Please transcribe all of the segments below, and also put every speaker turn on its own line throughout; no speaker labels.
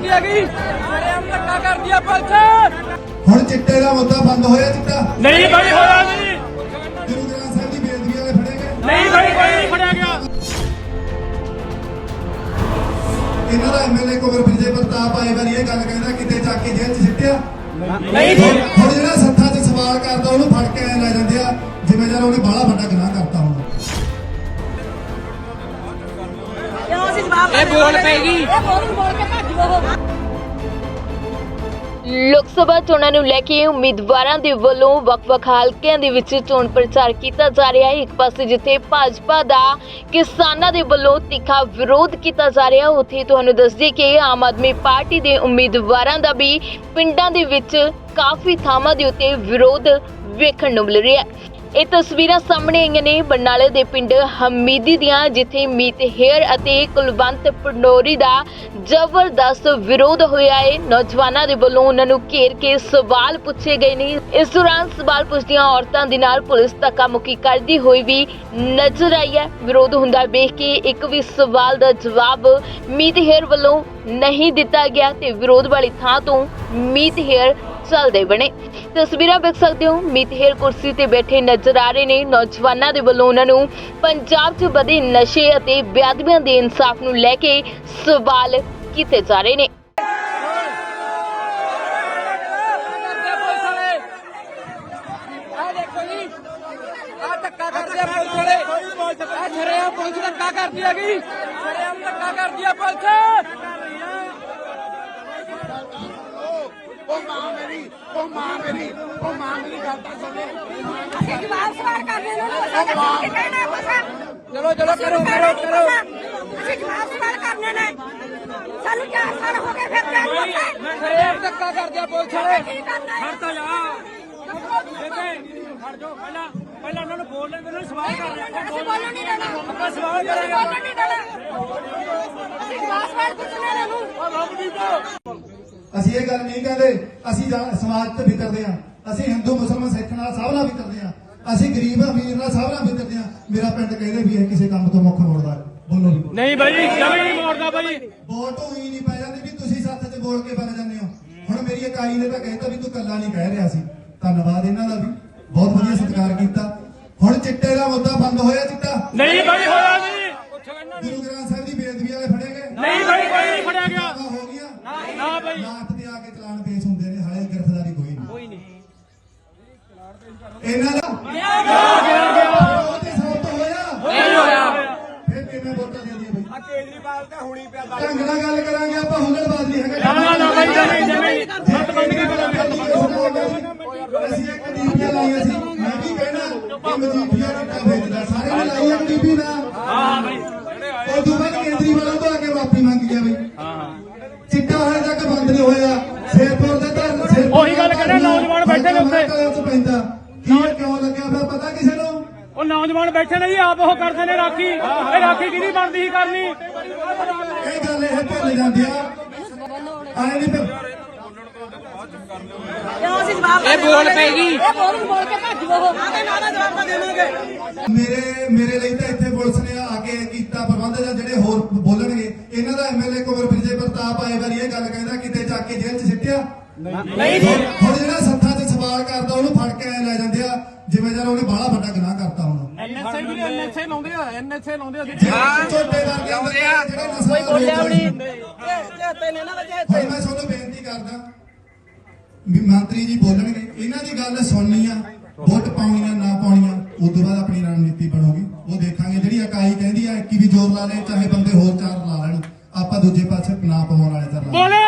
ਕਰਦੀ ਹੈਗੀ ਹਮ ਧੱਕਾ ਕਰਦੀ ਆ ਪੁਲਿਸ।
ਹੁਣ ਚਿੱਟੇ ਦਾ ਮੁੱਦਾ ਬੰਦ ਹੋਇਆ ਚਿੱਟਾ
ਨਹੀਂ ਬਾਈ ਹੋਇਆ ਨਹੀਂ।
ਗੁਰੂ ਗ੍ਰੰਥ ਸਾਹਿਬ ਦੀ ਬੇਅਦਬੀ ਵਾਲੇ ਫੜੇ ਗਏ
ਨਹੀਂ ਬਾਈ ਕੋਈ ਨਹੀਂ ਫੜਿਆ ਗਿਆ।
ਇਹਨਾਂ ਦਾ ਐਮਐਲਏ ਕੋਵਰ ਵਿਜੇ ਪ੍ਰਤਾਪ ਆਏ ਵਾਰੀ ਇਹ ਗੱਲ ਕਹਿੰਦਾ ਕਿਤੇ ਜਾ ਕੇ ਜੇਲ੍ਹ 'ਚ ਸਿੱਟਿਆ
ਨਹੀਂ
ਹੁਣ ਜਿਹੜਾ ਸੱਥਾਂ 'ਚ ਸਵਾਲ ਕਰਦਾ ਉਹਨੂੰ ਫੜ ਕੇ ਐ ਲੈ ਜਾਂਦੇ ਆ ਜਿਵੇਂ ਜਦ ਉਹਨੇ ਬਾਹਲਾ ਵੱਡਾ ਗੁਨਾਹ ਕਰਤਾ ਹੁਣ।
ਇਹ ਬੋਲ ਪੈਗੀ।
ਲੋਕ ਸਭਾ ਚੋਣਾਂ ਨੂੰ ਲੈ ਕੇ ਉਮੀਦਵਾਰਾਂ ਦੇ ਵੱਲੋਂ ਵੱਖ-ਵੱਖ ਹਲਕਿਆਂ ਦੇ ਵਿੱਚ ਚੋਣ ਪ੍ਰਚਾਰ ਕੀਤਾ ਜਾ ਰਿਹਾ ਹੈ। ਇੱਕ ਪਾਸੇ ਜਿੱਥੇ ਭਾਜਪਾ ਦਾ ਕਿਸਾਨਾਂ ਦੇ ਵੱਲੋਂ ਤਿੱਖਾ ਵਿਰੋਧ ਕੀਤਾ ਜਾ ਰਿਹਾ, ਉੱਥੇ ਤੁਹਾਨੂੰ ਦੱਸ ਦਈਏ ਕਿ ਆਮ ਆਦਮੀ ਪਾਰਟੀ ਦੇ ਉਮੀਦਵਾਰਾਂ ਦਾ ਵੀ ਪਿੰਡਾਂ ਦੇ ਵਿੱਚ ਕਾਫੀ ਥਾਵਾਂ ਦੇ ਉੱਤੇ ਵਿਰੋਧ ਵੇਖਣ ਨੂੰ ਮਿਲ ਰਿਹਾ ਹੈ। ਇਹ ਤਸਵੀਰਾਂ ਸਾਹਮਣੇ ਆਈਆਂ ਨੇ ਬਰਨਾਲੇ ਦੇ ਪਿੰਡ ਹਮੀਦੀ ਦੀਆਂ, ਜਿੱਥੇ ਮੀਤ ਹੇਅਰ ਅਤੇ ਕੁਲਵੰਤ ਪੰਡੋਰੀ ਦਾ ਜ਼ਬਰਦਸਤ ਵਿਰੋਧ ਹੋਇਆ ਹੈ। ਨੌਜਵਾਨਾਂ ਦੇ ਵੱਲੋਂ ਉਹਨਾਂ ਨੂੰ ਘੇਰ ਕੇ ਸਵਾਲ ਪੁੱਛੇ ਗਏ ਨੇ। ਇਸ ਦੌਰਾਨ ਸਵਾਲ ਪੁੱਛਦੀਆਂ ਔਰਤਾਂ ਦੇ ਨਾਲ ਪੁਲਿਸ ਧੱਕਾ ਮੁੱਕੀ ਕਰਦੀ ਹੋਈ ਵੀ ਨਜ਼ਰ ਆਈ ਹੈ। ਵਿਰੋਧ ਹੁੰਦਾ ਵੇਖ ਕੇ ਇੱਕ ਵੀ ਸਵਾਲ ਦਾ ਜਵਾਬ ਮੀਤ ਹੇਅਰ ਵੱਲੋਂ ਨਹੀਂ ਦਿੱਤਾ ਗਿਆ ਤੇ ਵਿਰੋਧ ਵਾਲੀ ਥਾਂ ਤੋਂ ਮੀਤ ਹੇਅਰ ਚੱਲਦੇ ਬਣੇ। ਤਸਵੀਰਾਂ ਵੇਖ ਸਕਦੇ ਹੋ, ਮੀਤ ਹੇਅਰ ਕੁਰਸੀ ਤੇ ਬੈਠੇ ਨਜ਼ਰ ਆ ਰਹੇ ਨੇ। ਨੌਜਵਾਨਾਂ ਦੇ ਵੱਲੋਂ ਉਹਨਾਂ ਨੂੰ ਪੰਜਾਬ 'ਚ ਵਧੇ ਨਸ਼ੇ ਅਤੇ ਬੇਅਦਬੀਆਂ ਦੇ ਇਨਸਾਫ ਨੂੰ ਲੈ ਕੇ ਸਵਾਲ ਕੀਤੇ ਜਾ ਰਹੇ ਨੇ।
ਪੁਲਿਸ ਧੱਕਾ ਕਰਦੀ ਹੈਗੀ ਹਮ ਧੱਕਾ ਕਰਦੀ ਆ ਪੁਲਿਸ।
ਉਹ ਮਾਂ ਮੇਰੀ ਗੱਲ ਤਾਂ ਸੁਣੇ।
ਅਸੀਂ ਜਵਾਬ ਸਵਾਲ ਕਰਨੇ ਨੂੰ ਅਸੀਂ ਕਹਿਣਾ ਕੁਛ।
ਚਲੋ ਕਰੋ।
ਅਸੀਂ ਜਵਾਬ ਸਵਾਲ ਕਰਨੇ ਨੇ। ਸਾਨੂੰ 4 ਸਾਲ ਹੋ ਗਏ ਫਿਰ
ਹਮ ਧੱਕਾ ਕਰਦੀ ਆ ਪੁਲਿਸ ਵਾਲੇ।
ਕੀ ਕਰਨਾ ਹੈ?
ਖੜ ਜਾ ਖੜ ਜਾਓ। ਪਹਿਲਾਂ ਉਹਨਾਂ ਨੂੰ ਬੋਲ ਲੈਂਦੇ ਨੇ, ਸਵਾਲ ਕਰ ਰਹੇ
ਅਸੀਂ ਬੋਲਣ ਨਹੀਂ ਦੇਣਾ।
ਆਪਾਂ ਸਵਾਲ
ਅਸੀਂ
ਕਰਾਂਗੇ।
ਬੋਲਣ ਨਹੀਂ ਦੇਣਾ। ਅਸੀਂ ਜਵਾਬ ਸਵਾਲ ਪੁੱਛਣੇ ਨੇ ਨੂੰ।
ਅਸੀਂ ਇਹ ਗੱਲ ਨਹੀਂ ਕਹਿੰਦੇ ਅਸੀਂ ਸਮਾਜ ਤੇ ਵਿਤਰਦੇ ਆ, ਅਸੀਂ ਹਿੰਦੂ ਮੁਸਲਮਾਨ ਸਿੱਖ ਨਾਲ ਸਭ ਨਾਲ ਵਿਤਰਦੇ ਆ, ਅਸੀਂ ਗਰੀਬ ਅਮੀਰ ਨਾਲ ਸਭ ਨਾਲ ਵਿਤਰਦੇ ਆ। ਮੇਰਾ ਪਿੰਡ ਕਹਿੰਦੇ ਵੀ ਇਹ ਕਿਸੇ ਕੰਮ ਤੋਂ ਮੁੱਖ ਮੋੜਦਾ ਬੋਲੋ ਵੀ
ਨਹੀਂ ਬਾਈ ਜਮੀ ਨਹੀਂ ਮੋੜਦਾ ਬਾਈ।
ਵੋਟ ਹੋਈ ਨਹੀਂ ਪੈ ਜਾਂਦੀ ਵੀ ਤੁਸੀਂ ਸੱਥ 'ਚ ਬੋਲ ਕੇ ਬਣ ਜਾਂਦੇ ਹੋ। ਹੁਣ ਮੇਰੀ ਇਕਾਈ ਨੇ ਤਾਂ ਕਹਿਤਾ ਵੀ ਤੂੰ ਕੱਲਾ ਨਹੀਂ ਕਹਿ ਰਿਹਾ ਸੀ। ਧੰਨਵਾਦ ਇਹਨਾਂ ਦਾ ਵੀ, ਬਹੁਤ ਵਧੀਆ ਸਤਿਕਾਰ ਕੀਤਾ। ਹੁਣ ਚਿੱਟੇ ਦਾ ਮੁੱਦਾ ਬੰਦ ਹੋਇਆ ਚਿੱਟਾ
ਨਹੀਂ ਬਾਈ ਹੋਇਆ ਨਹੀਂ।
ਗੁਰੂ ਗ੍ਰੰਥ ਸਾਹਿਬ ਦੀ ਬੇਅਦਬੀ ਵਾਲੇ ਫੜੇ ਗਏ
ਨਹੀਂ ਬਾਈ ਕੋਈ ਨਹੀਂ ਫੜਿਆ ਗਿਆ।
ਹੋ ਗਿਆ
ਨਾ ਬਾਈ
ਲਾਟ ਤੇ ਆ ਕੇ ਚਲਾਨ ਪੇਸ਼ ਹੁੰਦੇ ਨੇ, ਹਾਲੇ ਗ੍ਰਿਫਤਾਰੀ ਕੋਈ ਨਹੀਂ। ਇਹਨਾਂ ਦਾ ਉਹ ਤੇ ਸੌਤ ਹੋਇਆ
ਨਹੀਂ ਹੋਇਆ।
ਫਿਰ ਕਿਵੇਂ ਵੋਟਾਂ ਦੇ ਦਈਏ ਬਈ?
ਕੇਜਰੀਵਾਲ ਤਾਂ ਹੁਣੀ ਪਿਆ
ਢੰਗ ਨਾਲ ਗੱਲ ਕਰਾਂਗੇ ਆਪਾਂ, ਹੁਲੜਬਾਜ਼ ਨਹੀਂ ਹੈਗਾ।
ਨਾ ਬਾਈ ਜਮੀ ਸੱਤ ਬੰਦ ਕੇ
ਅਸੀਂ ਇੱਕ ਡੀਪੀਆਂ ਲਾਈਆਂ ਸੀ, ਮੈਂ ਵੀ ਕਹਿਣਾ ਕਿ ਮਜੀਠੀਆ ਚਿੱਟਾ ਵੇਚਦਾ, ਸਾਰੇ ਨੇ ਲਾਈ ਇੱਕ ਡੀਪੀ ਨਾ।
ਹਾਂ ਬਾਈ
ਉਹ ਤੋਂ ਬਾਅਦ ਕੇਜਰੀਵਾਲ ਤੋਂ ਆ ਕੇ ਮਾਫੀ ਮੰਗੀ ਆ ਬਈ। ਚਿੱਟਾ ਹਾਲੇ ਤੱਕ ਬੰਦ ਨਹੀਂ ਹੋਇਆ। ਸ਼ੇਰਪੁਰ ਦੇ ਧਰਨ
ਉਹੀ ਗੱਲ ਕਹਿੰਦੇ, ਨੌਜਵਾਨ ਬੈਠੇ ਨੇ ਉੱਥੇ।
ਪੈਂਦਾ ਕੀ ਕਿਉਂ ਲੱਗਿਆ ਪਿਆ ਪਤਾ ਕਿਸੇ ਨੂੰ?
ਉਹ ਨੌਜਵਾਨ ਬੈਠੇ ਨੇ ਜੀ, ਆਪ ਉਹ ਕਰਦੇ ਨੇ ਰਾਖੀ। ਇਹ ਰਾਖੀ ਕਿਹਦੀ ਬਣਦੀ ਸੀ ਕਰਨੀ?
ਇਹ ਗੱਲ ਇਹ ਭੁੱਲ ਜਾਂਦੀ ਆ ਆਏ ਨਹੀਂ ਫਿਰ
ਅਸੀਂ ਜਵਾਬ
ਇਹ ਬੋਲ ਪੈਗੀ।
ਇਹ ਬੋਲ ਕੇ ਭੱਜ ਗੋ। ਆਦੇ ਨਾਰਾ ਜਵਾਬ ਦੇਵਾਂਗੇ।
ਮੇਰੇ ਲਈ ਤਾਂ ਇੱਥੇ ਪੁਲਿਸ ਨੇ ਆ ਕੇ ਕੀਤਾ ਪ੍ਰਬੰਧ, ਜਾਂ ਜਿਹੜੇ ਹੋਰ ਬੋਲਣਗੇ। ਇਹਨਾਂ ਦਾ ਐਮਐਲਏ ਕੋਵਰ ਵਿਜੇ ਪ੍ਰਤਾਪ ਆਏ ਵਾਰੀ ਇਹ ਗੱਲ ਕਹਿੰਦਾ ਕਿਤੇ ਜਾ ਕੇ ਜੇਲ੍ਹ 'ਚ ਸਿੱਟਿਆ
ਨਹੀਂ
ਹੁਣ ਜਿਹੜਾ ਸੱਥਾਂ 'ਚ ਸਵਾਲ ਕਰਦਾ ਉਹਨੂੰ ਫੜ ਕੇ ਐ ਲੈ ਜਾਂਦੇ ਆ ਜਿਵੇਂ ਜਦ ਉਹਨੇ ਬਾਹਲਾ ਵੱਡਾ ਗੁਨਾਹ ਕਰਤਾ ਹੁਣ।
ਐਨਐਸਏ ਲਾਉਂਦੇ ਆ
ਛੋਟੇ ਵਰਗੇ ਜਿਹੜੇ ਨਸ਼ਾ ਬੋਲਿਆ
ਤੇ ਨੇ
ਹੁਣ ਮੈਂ ਤੁਹਾਨੂੰ ਬੇਨਤੀ ਕਰਦਾ ਵੀ ਮੰਤਰੀ ਜੀ ਬੋਲਣਗੇ, ਇਹਨਾਂ ਦੀ ਗੱਲ ਸੁਣਨੀ ਆ, ਵੋਟ ਪਾਉਣੀਆਂ ਨਾ ਪਾਉਣੀਆਂ ਉਸ ਤੋਂ ਬਾਅਦ ਆਪਣੀ ਰਣਨੀਤੀ ਬਣੂਗੀ, ਉਹ ਦੇਖਾਂਗੇ। ਜਿਹੜੀ ਇਕਾਈ ਕਹਿੰਦੀ ਆ ਕਿ ਵੀ ਜ਼ੋਰ ਲਾ ਲੈ, ਚਾਹੇ ਬੰਦੇ ਹੋਰ 4 ਲਾ ਲੈਣ, ਆਪਾਂ ਦੂਜੇ ਪਾਸੇ ਨਾ ਪਵਾਉਣ ਵਾਲੇ ਤਾਂ ਲਾ।
ਬੋਲੇ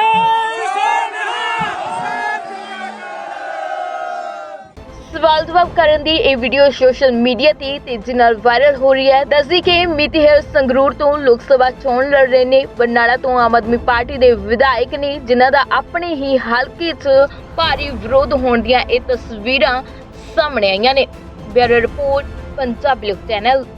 ਸਵਾਲ ਜਵਾਬ ਕਰਨ ਦੀ ਇਹ ਵੀਡੀਓ ਸੋਸ਼ਲ ਮੀਡੀਆ ਤੇ ਤੇਜ਼ੀ ਨਾਲ ਵਾਇਰਲ ਹੋ ਰਹੀ ਹੈ। ਦੱਸਦੀ ਕਿ ਮੀਤ ਹੇਅਰ ਸੰਗਰੂਰ ਤੋਂ ਲੋਕ ਸਭਾ ਚੋਣ ਲੜ ਰਹੇ ਨੇ। ਬਰਨਾਲਾ ਤੋਂ ਆਮ ਆਦਮੀ ਪਾਰਟੀ ਦੇ ਵਿਧਾਇਕ ਨੇ, ਜਿਨ੍ਹਾਂ ਦਾ ਆਪਣੇ ਹੀ ਹਲਕੇ 'ਚ ਭਾਰੀ ਵਿਰੋਧ ਹੋਣ ਦੀਆਂ ਇਹ ਤਸਵੀਰਾਂ ਸਾਹਮਣੇ ਆਈਆਂ ਨੇ। ਬਿਊਰੋ ਰਿਪੋਰਟ, ਪੰਜਾਬੀ ਲੋਕ ਚੈਨਲ।